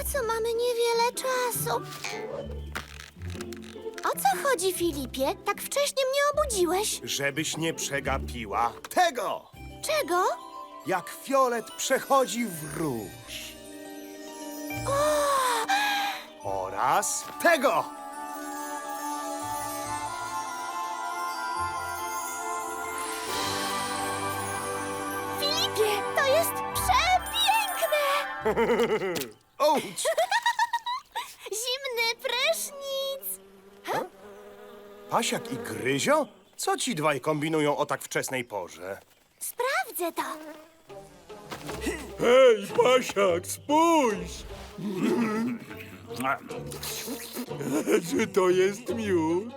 Na co mamy niewiele czasu? O co chodzi, Filipie? Tak wcześnie mnie obudziłeś. Żebyś nie przegapiła tego, Czego? jak fiolet przechodzi w róż. Oraz tego. Filipie, to jest przepiękne! Ouch! Zimny prysznic! Pasiak i Gryzio? Co ci dwaj kombinują o tak wczesnej porze? Sprawdzę to. Hej, Pasiak, spójrz! Czy to jest miód?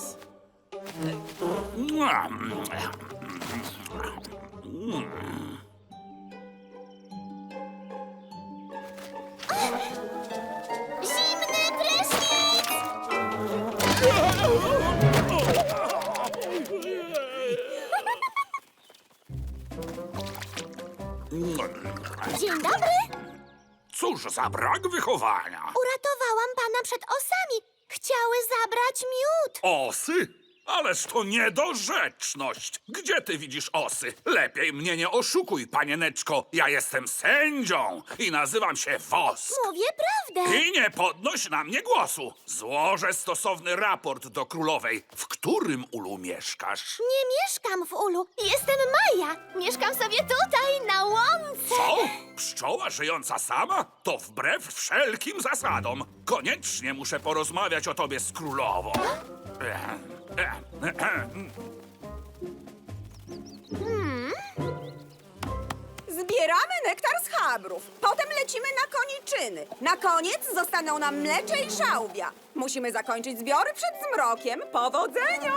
Zimny prysznic! Dzień dobry. Cóż za brak wychowania! Uratowałam pana przed osami. Chciały zabrać miód. Osy? Ależ to niedorzeczność! Gdzie ty widzisz osy? Lepiej mnie nie oszukuj, panieneczko. Ja jestem sędzią i nazywam się Wosk. Mówię prawdę. I nie podnoś na mnie głosu. Złożę stosowny raport do królowej. W którym ulu mieszkasz? Nie mieszkam w ulu. Jestem Maja. Mieszkam sobie tutaj, na łące. Co? Pszczoła żyjąca sama? To wbrew wszelkim zasadom. Koniecznie muszę porozmawiać o tobie z królową. Zbieramy nektar z chabrów. Potem lecimy na koniczyny. Na koniec zostaną nam mlecze i szałwia. Musimy zakończyć zbiory przed zmrokiem. Powodzenia!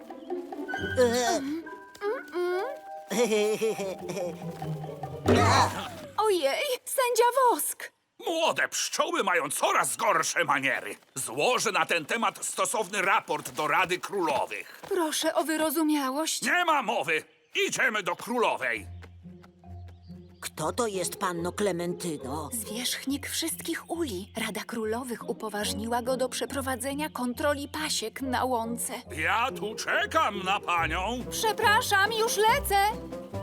Ojej, sędzia Wosk! Młode pszczoły mają coraz gorsze maniery. Złożę na ten temat stosowny raport do Rady Królowych. Proszę o wyrozumiałość. Nie ma mowy. Idziemy do królowej. Kto to jest panno Klementyno? Zwierzchnik wszystkich uli. Rada Królowych upoważniła go do przeprowadzenia kontroli pasiek na łące. Ja tu czekam na panią. Przepraszam, już lecę.